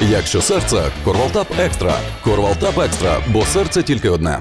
Якщо серце – Корвалтап Екстра. Корвалтап Екстра, бо серце тільки одне.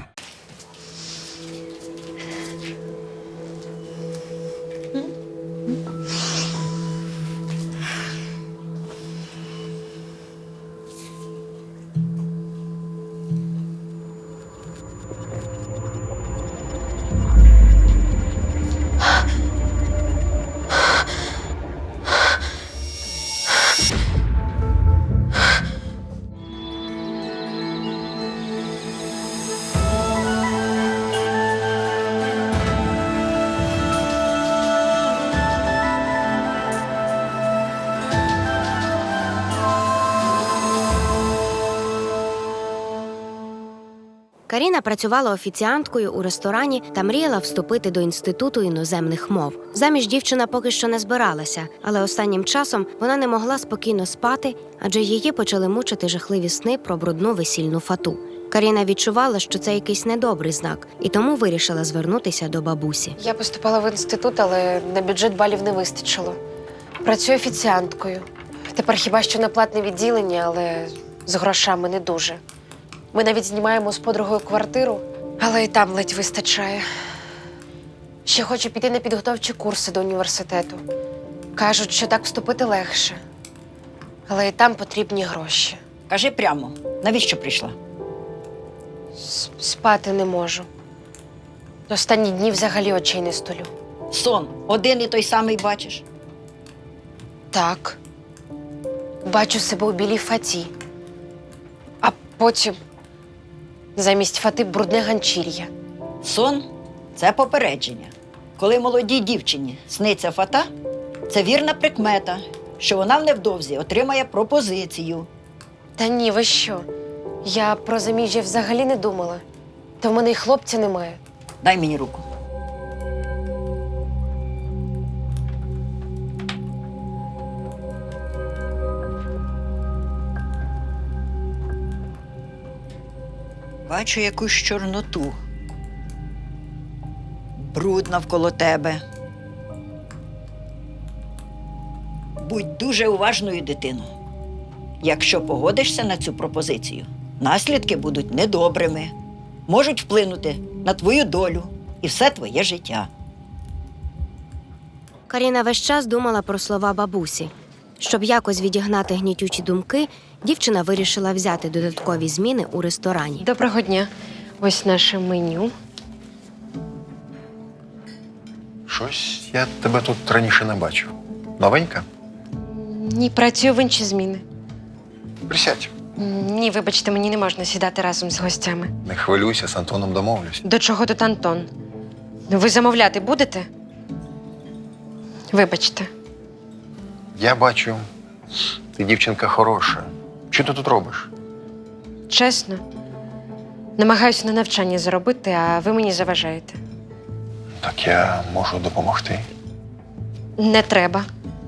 Каріна працювала офіціанткою у ресторані та мріяла вступити до Інституту іноземних мов. Заміж дівчина поки що не збиралася, але останнім часом вона не могла спокійно спати, адже її почали мучити жахливі сни про брудну весільну фату. Каріна відчувала, що це якийсь недобрий знак, і тому вирішила звернутися до бабусі. Я поступала в інститут, але на бюджет балів не вистачило. Працюю офіціанткою. Тепер хіба що на платне відділення, але з грошами не дуже. Ми навіть знімаємо з подругою квартиру, але і там ледь вистачає. Ще хочу піти на підготовчі курси до університету. Кажуть, що так вступити легше. Але і там потрібні гроші. Кажи прямо, навіщо прийшла? Спати не можу. Останні дні взагалі очей не столю. Сон один і той самий бачиш. Так. Бачу себе у білій фаті. А потім замість фати брудне ганчір'я. Сон – це попередження. Коли молодій дівчині сниться фата, це вірна прикмета, що вона невдовзі отримає пропозицію. Та ні, ви що? Я про заміжжя взагалі не думала. Та в мене й хлопця немає. Дай мені руку. Бачу якусь чорноту. Бруд навколо тебе. Будь дуже уважною, дитино. Якщо погодишся на цю пропозицію, наслідки будуть недобрими, можуть вплинути на твою долю і все твоє життя. Каріна весь час думала про слова бабусі. Щоб якось відігнати гнітючі думки, дівчина вирішила взяти додаткові зміни у ресторані. Доброго дня. Ось наше меню. Щось я тебе тут раніше не бачив. Новенька? Ні, працюю в інші зміни. Присядь. Ні, вибачте, мені не можна сідати разом з гостями. Не хвилюйся, з Антоном домовлюсь. До чого тут Антон? Ви замовляти будете? Вибачте. Я бачу, ти дівчинка хороша. Що ти тут робиш? Чесно, намагаюся на навчання заробити, а ви мені заважаєте. Так я можу допомогти. Не треба.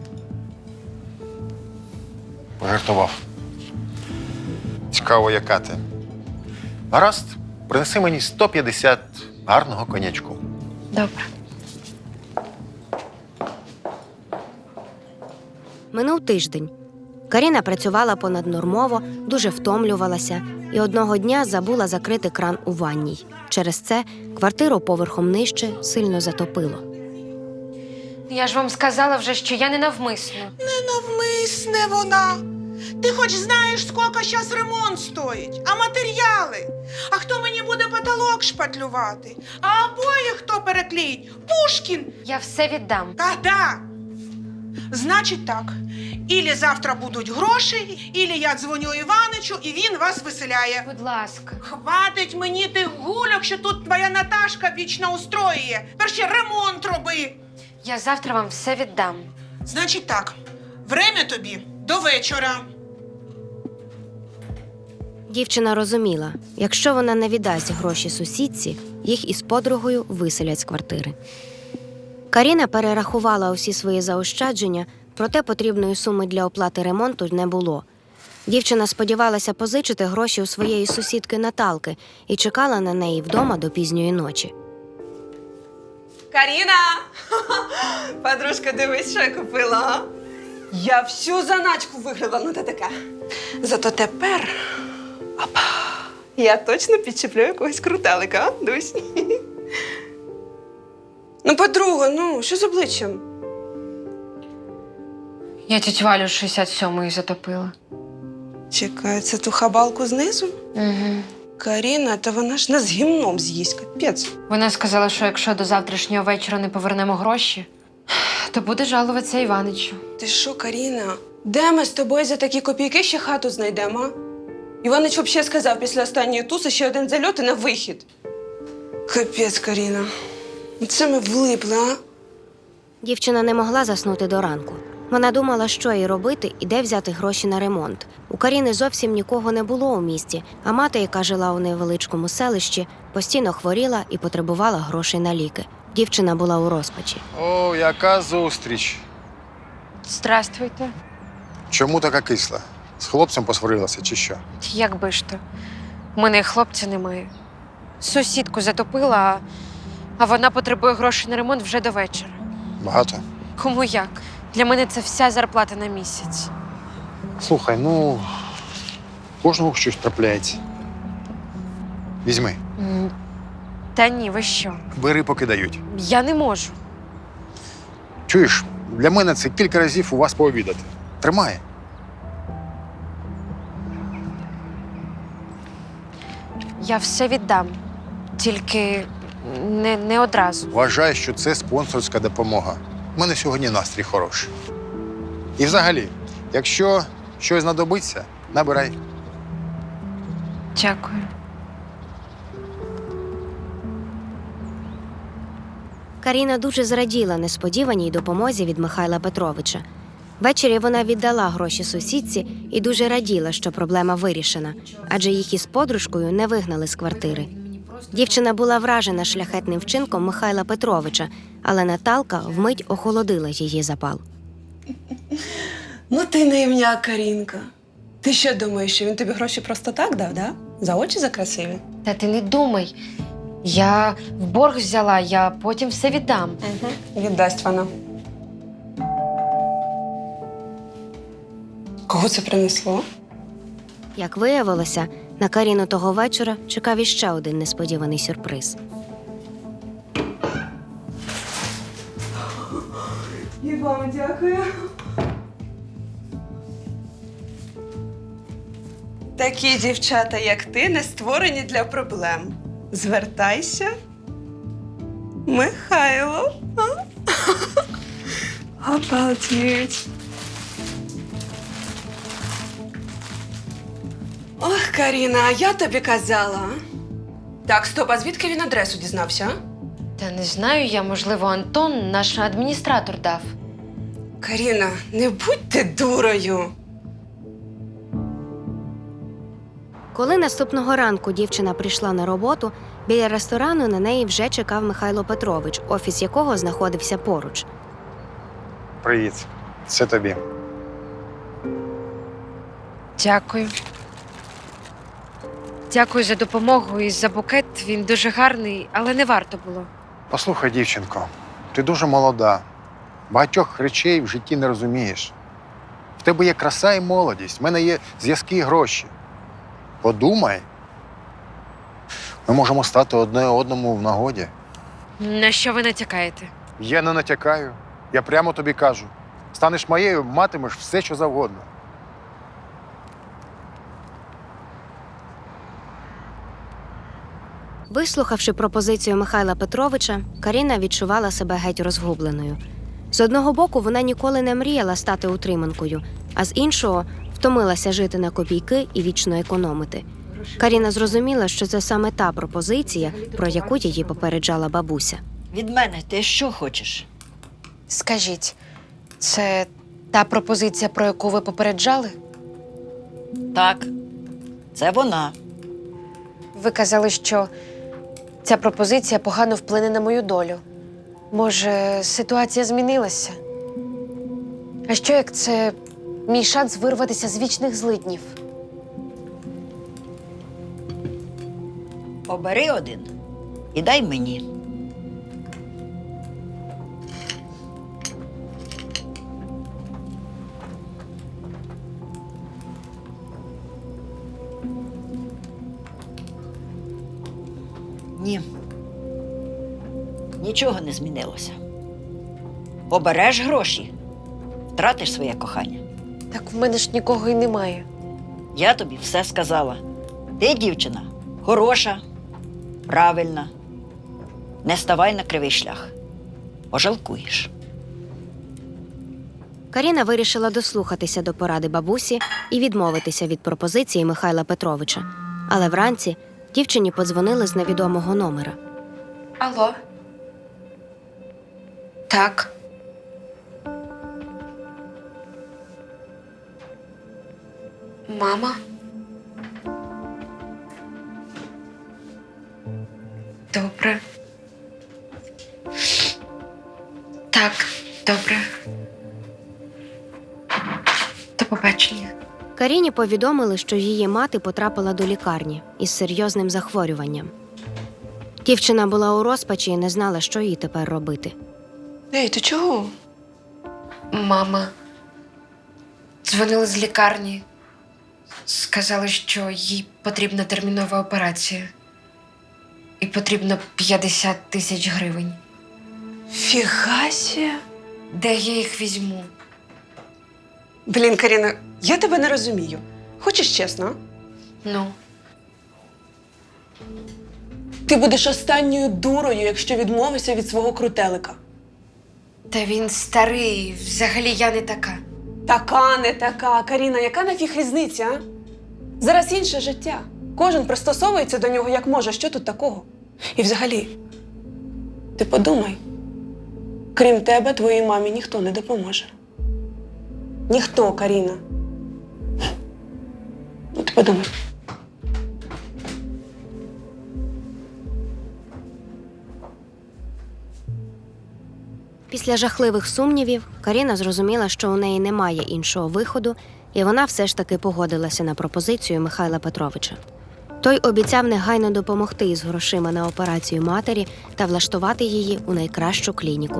Пожартував. Цікаво, яка ти. Гаразд, принеси мені 150 гарного конячку. Добре. Минув тиждень. Каріна працювала понаднормово, дуже втомлювалася і одного дня забула закрити кран у ванній. Через це квартиру поверхом нижче сильно затопило. Я ж вам сказала вже, що я не навмисно. Ненавмисне вона. Ти хоч знаєш, скільки зараз ремонт стоїть, а матеріали? А хто мені буде потолок шпатлювати? А обоє хто переклеїть? Пушкін! Я все віддам. Когда? Значить так, ілі завтра будуть гроші, ілі я дзвоню Іваничу, і він вас виселяє. Будь ласка. Хватить мені тих гульок, що тут твоя Наташка вічно устроює. Перше ремонт роби. Я завтра вам все віддам. Значить так, время тобі до вечора. Дівчина розуміла, якщо вона не віддасть гроші сусідці, їх із подругою виселять з квартири. Каріна перерахувала усі свої заощадження, проте потрібної суми для оплати ремонту не було. Дівчина сподівалася позичити гроші у своєї сусідки Наталки і чекала на неї вдома до пізньої ночі. Каріна! Подружка, дивись, що я купила, а? Я всю заначку виграла на ТТК. Зато тепер опа, я точно підчеплю якогось крутелика, а, Дусь? Ну, подруга, ну, що з обличчям? Я тітю Валю 67-ї затопила. Чекай, це ту хабалку знизу? Угу. Каріна, та вона ж нас гімном з'їсть, капець. Вона сказала, що якщо до завтрашнього вечора не повернемо гроші, то буде жалуватися Іваничу. Ти що, Каріна? Де ми з тобою за такі копійки ще хату знайдемо, а? Іванич взагалі сказав після останньої туси ще один зальот і на вихід. Капець, Каріна. Це ми влипли, а? Дівчина не могла заснути до ранку. Вона думала, що їй робити і де взяти гроші на ремонт. У Каріни зовсім нікого не було у місті, а мати, яка жила у невеличкому селищі, постійно хворіла і потребувала грошей на ліки. Дівчина була у розпачі. О, яка зустріч. Здравствуйте. Чому така кисла? З хлопцем посварилася чи що? Як би ж то? У мене і хлопця немає. Сусідку затопила, а вона потребує грошей на ремонт вже до вечора. Багато? Кому як? Для мене це вся зарплата на місяць. Слухай, ну, кожного щось трапляється. Візьми, Та ні, ви що? бери, поки дають. Я не можу. Чуєш, для мене це кілька разів у вас пообідати. Тримай. Я все віддам. Тільки не одразу. Вважаю, що це спонсорська допомога. У мене сьогодні настрій хороший. І взагалі, якщо щось знадобиться, набирай. Дякую. Каріна дуже зраділа несподіваній допомозі від Михайла Петровича. Ввечері вона віддала гроші сусідці і дуже раділа, що проблема вирішена, адже їх із подружкою не вигнали з квартири. Дівчина була вражена шляхетним вчинком Михайла Петровича, але Наталка вмить охолодила її запал. Ну ти наївня, Карінка. Ти що думаєш, що він тобі гроші просто так дав, да? За очі за красиві? Та ти не думай. Я в борг взяла, я потім все віддам. Угу. Віддасть вона. Кого це принесло? Як виявилося, на Каріну того вечора чекав іще один несподіваний сюрприз. І вам дякую. Такі дівчата, як ти, не створені для проблем. Звертайся, Михайло. Обалдеть. Ох, Каріна, а я тобі казала. Так, стоп, а звідки він адресу дізнався? Та не знаю я, можливо, Антон, наш адміністратор, дав. Каріна, не будь ти дурою. Коли наступного ранку дівчина прийшла на роботу, біля ресторану на неї вже чекав Михайло Петрович, офіс якого знаходився поруч. Привіт. Це тобі. Дякую. Дякую за допомогу і за букет. Він дуже гарний, але не варто було. Послухай, дівчинко, ти дуже молода. Багатьох речей в житті не розумієш. В тебе є краса і молодість, в мене є зв'язки і гроші. Подумай. Ми можемо стати одне одному в нагоді. На що ви натякаєте? Я не натякаю. Я прямо тобі кажу. Станеш моєю, матимеш все, що завгодно. Вислухавши пропозицію Михайла Петровича, Каріна відчувала себе геть розгубленою. З одного боку, вона ніколи не мріяла стати утриманкою, а з іншого – втомилася жити на копійки і вічно економити. Каріна зрозуміла, що це саме та пропозиція, про яку її попереджала бабуся. Від мене ти що хочеш? Скажіть, це та пропозиція, про яку ви попереджали? Так, це вона. Ви казали, що ця пропозиція погано вплине на мою долю. Може, ситуація змінилася? А що, як це мій шанс вирватися з вічних злиднів? Обери один і дай мені. Ні. Нічого не змінилося. Обереш гроші, втратиш своє кохання. Так в мене ж нікого і немає. Я тобі все сказала. Ти, дівчина, хороша, правильна. Не ставай на кривий шлях. Пожалкуєш. Каріна вирішила дослухатися до поради бабусі і відмовитися від пропозиції Михайла Петровича. Але вранці дівчині подзвонили з невідомого номера. Алло. Так. Мама? Добре. Так, добре. До побачення. Каріні повідомили, що її мати потрапила до лікарні із серйозним захворюванням. Дівчина була у розпачі і не знала, що їй тепер робити. Ей, ти чого? Мама. Дзвонили з лікарні. Сказали, що їй потрібна термінова операція. І потрібно 50 тисяч гривень. Фігасі. Де я їх візьму? Блін, Каріна, я тебе не розумію. Хочеш чесно? Ну, Ти будеш останньою дурою, якщо відмовишся від свого крутелика. та він старий, взагалі я не така. Така, не така. Каріна, яка нафіг різниця, а? Зараз інше життя. Кожен пристосовується до нього як може. Що тут такого? І взагалі, ти подумай. Крім тебе, твоїй мамі ніхто не допоможе. Ніхто, Каріна. Ну, ти подумай. Після жахливих сумнівів Каріна зрозуміла, що у неї немає іншого виходу, і вона все ж таки погодилася на пропозицію Михайла Петровича. Той обіцяв негайно допомогти із грошима на операцію матері та влаштувати її у найкращу клініку.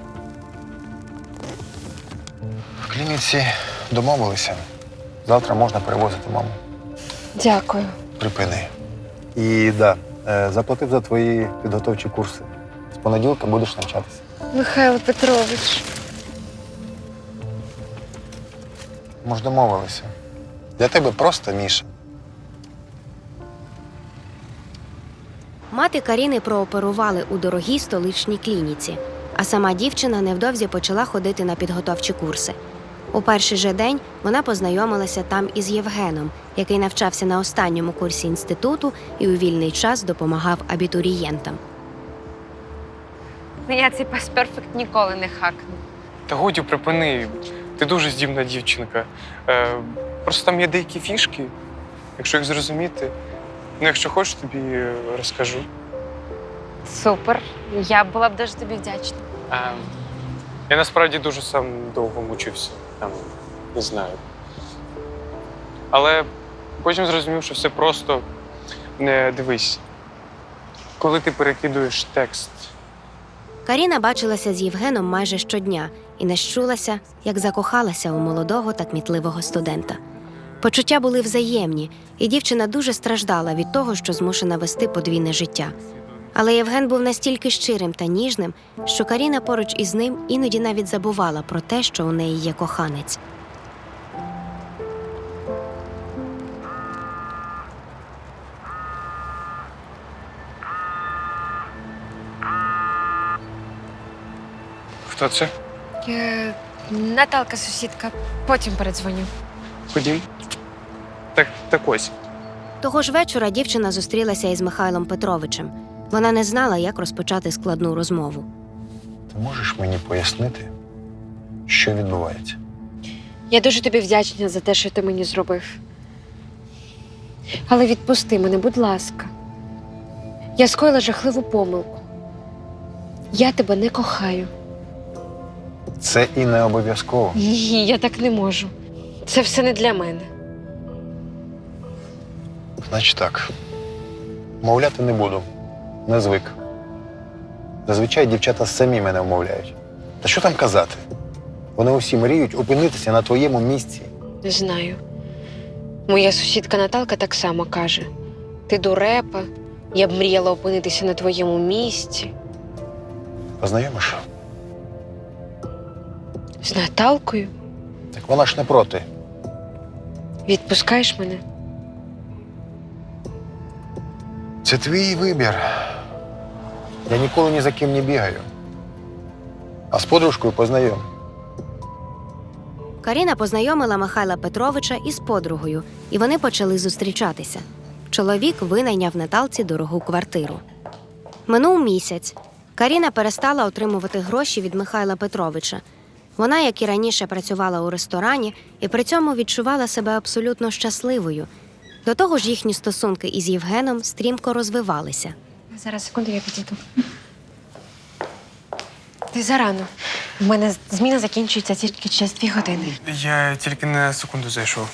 В клініці домовилися. Завтра можна перевозити маму. Дякую. Припини. І заплатив за твої підготовчі курси. З понеділка будеш навчатися. Михайло Петрович. Ми ж домовилися. Для тебе просто Міша. Мати Каріни прооперували у дорогій столичній клініці, а сама дівчина невдовзі почала ходити на підготовчі курси. У перший же день вона познайомилася там із Євгеном, який навчався на останньому курсі інституту і у вільний час допомагав абітурієнтам. Я цей пасперфект ніколи не хакну. Та годі припини. Ти дуже здібна дівчинка. Просто там є деякі фішки, якщо їх зрозуміти. Ну, якщо хочеш, тобі розкажу. Супер. Я була б дуже тобі вдячна. Я насправді дуже сам довго мучився. Там, не знаю. Але потім зрозумів, що все просто. Не дивись. Коли ти перекидуєш текст, Каріна бачилася з Євгеном майже щодня і не щулася, як закохалася у молодого та кмітливого студента. Почуття були взаємні, і дівчина дуже страждала від того, що змушена вести подвійне життя. Але Євген був настільки щирим та ніжним, що Каріна поруч із ним іноді навіть забувала про те, що у неї є коханець. хто це? Наталка, сусідка. Потім передзвоню. Ходім. Так ось. Того ж вечора дівчина зустрілася із Михайлом Петровичем. Вона не знала, як розпочати складну розмову. Ти можеш мені пояснити, що відбувається? Я дуже тобі вдячна за те, що ти мені зробив. Але відпусти мене, будь ласка. Я скоїла жахливу помилку. Я тебе не кохаю. Це і не обов'язково. Ні, я так не можу. Це все не для мене. Значить так. Мовляти не буду. Не звик. Зазвичай дівчата самі мене вмовляють. Та що там казати? Вони усі мріють опинитися на твоєму місці. Не знаю. Моя сусідка Наталка так само каже. Ти дурепа, Я б мріяла опинитися на твоєму місці. Познайомиш? З Наталкою? Так вона ж не проти. Відпускаєш мене? Це твій вибір. Я ніколи ні за ким не бігаю. А з подружкою познайом. Каріна познайомила Михайла Петровича із подругою, і вони почали зустрічатися. Чоловік винайняв Наталці дорогу квартиру. Минув місяць. Каріна перестала отримувати гроші від Михайла Петровича. Вона, як і раніше, працювала у ресторані і при цьому відчувала себе абсолютно щасливою. До того ж, їхні стосунки із Євгеном стрімко розвивалися. Зараз, секунду, я підійду. Ти зарано. У мене зміна закінчується тільки через 2 години. Я тільки на секунду зайшов.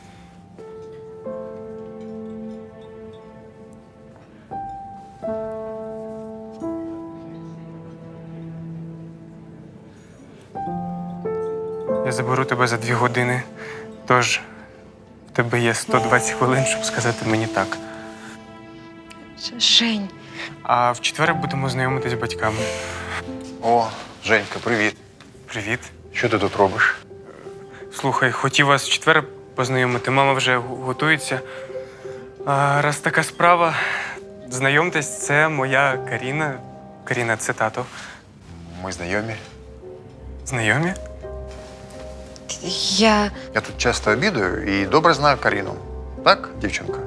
Я заберу тебе за 2 години. Тож в тебе є 120 хвилин, щоб сказати мені так. Жень, А в четвер будемо знайомитись з батьками. О, Женька, привіт. Привіт. Що ти тут робиш? Слухай, хотів вас в четвер познайомити. Мама вже готується. А раз така справа, знайомтесь, це моя Каріна. Каріна, це тато. Ми знайомі. Знайомі? я Я тут часто обідаю і добре знаю Каріну. Так, дівчинка?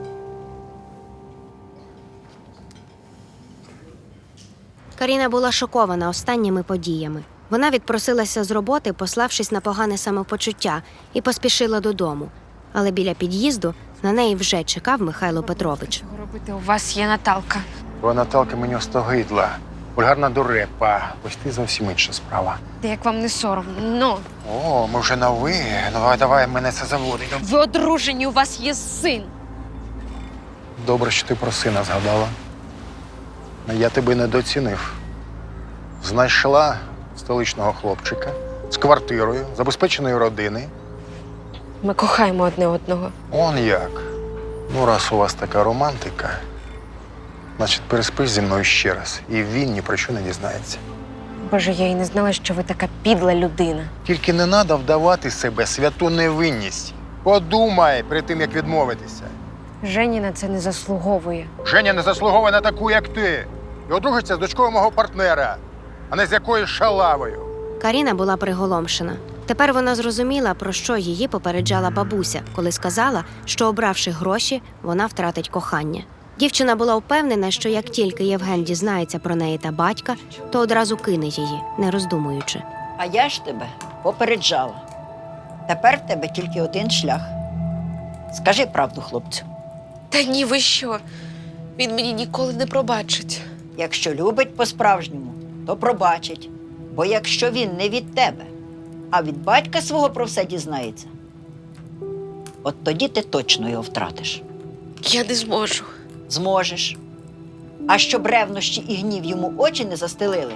Каріна була шокована останніми подіями. Вона відпросилася з роботи, пославшись на погане самопочуття, і поспішила додому. Але біля під'їзду на неї вже чекав Михайло Петрович. Чого робити? У вас є Наталка. Бо Наталка мені остогидла. Вульгарна дурепа. Ось ти зовсім інша справа. Та як вам не соромно? Ну, О, ми вже на ви. Ну, давай, мене це заводить. ви одружені, у вас є син. Добре, що ти про сина згадала. Я тебе недооцінив. Знайшла столичного хлопчика з квартирою, забезпеченої родини. Ми кохаємо одне одного. Он як. Ну, раз у вас така романтика, значить, переспиш зі мною ще раз. І він ні про що не дізнається. Боже, я й не знала, що ви така підла людина. Тільки не треба вдавати себе святу невинність. Подумай перед тим, як відмовитися. Жені на це не заслуговує. Женя не заслуговує на таку, як ти. І одружиться з дочкою мого партнера, а не з якоюсь шалавою. Каріна була приголомшена. Тепер вона зрозуміла, про що її попереджала бабуся, коли сказала, що, обравши гроші, вона втратить кохання. Дівчина була впевнена, що як тільки Євген дізнається про неї та батька, то одразу кине її, не роздумуючи. А я ж тебе попереджала. Тепер в тебе тільки один шлях. Скажи правду, хлопцю. Та ні, ви що? Він мені ніколи не пробачить. Якщо любить по-справжньому, то пробачить. Бо якщо він не від тебе, а від батька свого про все дізнається, от тоді ти точно його втратиш. Я не зможу. Зможеш. А щоб ревнощі і гнів йому очі не застелили.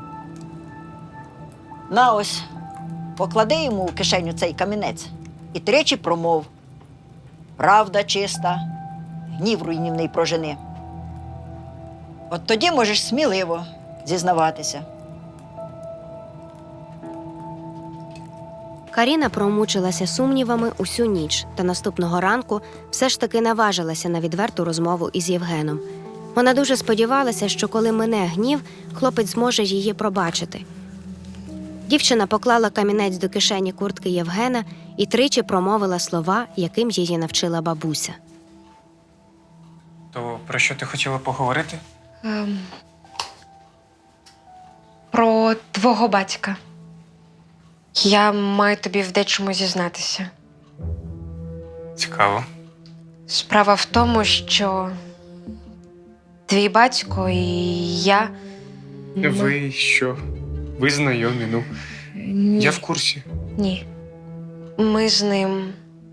На ось, поклади йому у кишеню цей камінець і 3 промов. Правда чиста, гнів руйнівний прожени. От тоді можеш сміливо зізнаватися. Каріна промучилася сумнівами усю ніч та наступного ранку все ж таки наважилася на відверту розмову із Євгеном. Вона дуже сподівалася, що коли мине гнів, хлопець зможе її пробачити. Дівчина поклала камінець до кишені куртки Євгена і 3 промовила слова, яким її навчила бабуся. То про що ти хотіла поговорити? Про твого батька. Я маю тобі в дечому зізнатися. Цікаво. Справа в тому, що твій батько і я. Ви що? Ви знайомі, ну. Ні. Я в курсі. Ні. Ми з ним.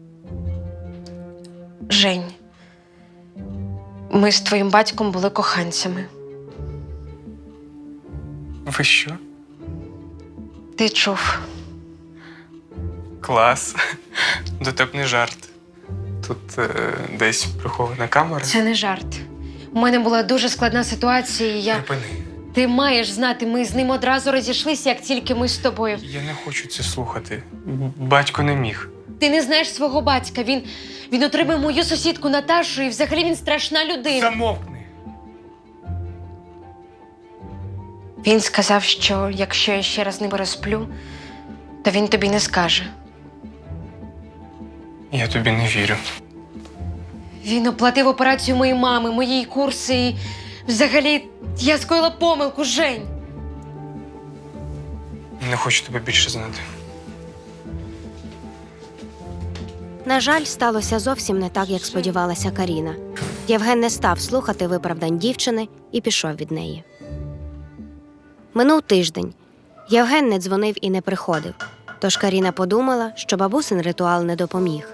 Жень. Ми з твоїм батьком були коханцями. Ви що? Ти чув. Клас. Дотепний жарт. Тут десь прихована камера. Це не жарт. У мене була дуже складна ситуація, і я. Припини. Ти маєш знати, ми з ним одразу розійшлися, як тільки ми з тобою. Я не хочу це слухати. Батько не міг. Ти не знаєш свого батька. Він отримав мою сусідку Наташу, і взагалі він страшна людина. Замовкни. Він сказав, що якщо я ще раз з ним розплю, то він тобі не скаже. Я тобі не вірю. Він оплатив операцію моєї мами, мої курси і взагалі я скоїла помилку, Жень. Не хочу тебе більше знати. На жаль, сталося зовсім не так, як сподівалася Каріна. Євген не став слухати виправдань дівчини і пішов від неї. Минув тиждень. Євген не дзвонив і не приходив, тож Каріна подумала, що бабусин ритуал не допоміг.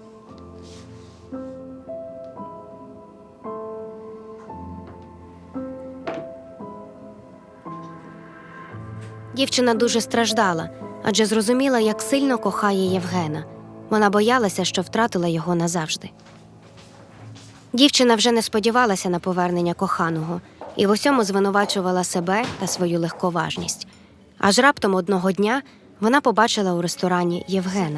Дівчина дуже страждала, адже зрозуміла, як сильно кохає Євгена. Вона боялася, що втратила його назавжди. Дівчина вже не сподівалася на повернення коханого і в усьому звинувачувала себе та свою легковажність. Аж раптом одного дня вона побачила у ресторані Євгена.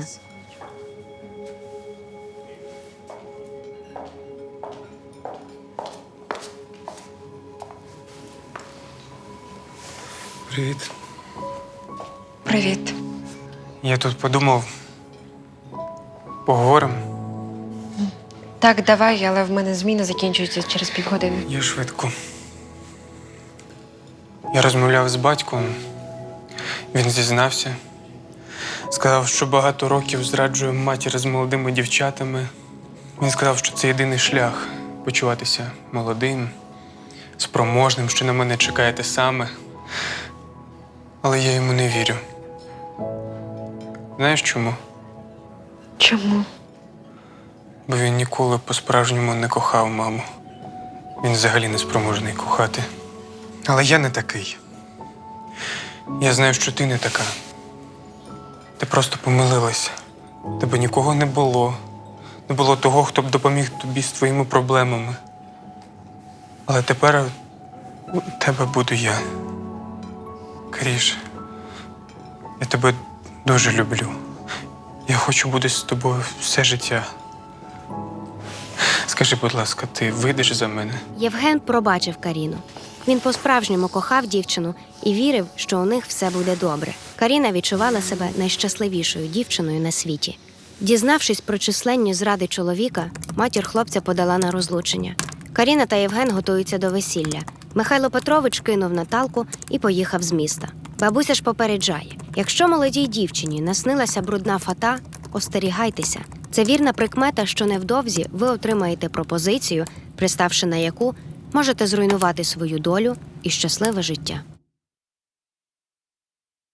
Привіт. Привіт. Я тут подумав. Поговоримо. Так, давай, але в мене зміна закінчується через півгодини. Я швидко. Я розмовляв з батьком. Він зізнався. Сказав, що багато років зраджує матір з молодими дівчатами. Він сказав, що це єдиний шлях почуватися молодим, спроможним, що на мене чекає те саме. Але я йому не вірю. Знаєш чому? Чому? Бо він ніколи по-справжньому не кохав маму. Він взагалі не спроможний кохати. Але я не такий. Я знаю, що ти не така. Ти просто помилилася. Тебе нікого не було. Не було того, хто б допоміг тобі з твоїми проблемами. Але тепер у тебе буду я. Каріш, я тебе дуже люблю. Я хочу бути з тобою все життя. Скажи, будь ласка, ти вийдеш за мене? Євген пробачив Каріну. Він по-справжньому кохав дівчину і вірив, що у них все буде добре. Каріна відчувала себе найщасливішою дівчиною на світі. Дізнавшись про численні зради чоловіка, матір хлопця подала на розлучення. Каріна та Євген готуються до весілля. Михайло Петрович кинув Наталку і поїхав з міста. Бабуся ж попереджає: якщо молодій дівчині наснилася брудна фата, остерігайтеся. Це вірна прикмета, що невдовзі ви отримаєте пропозицію, приставши на яку можете зруйнувати свою долю і щасливе життя.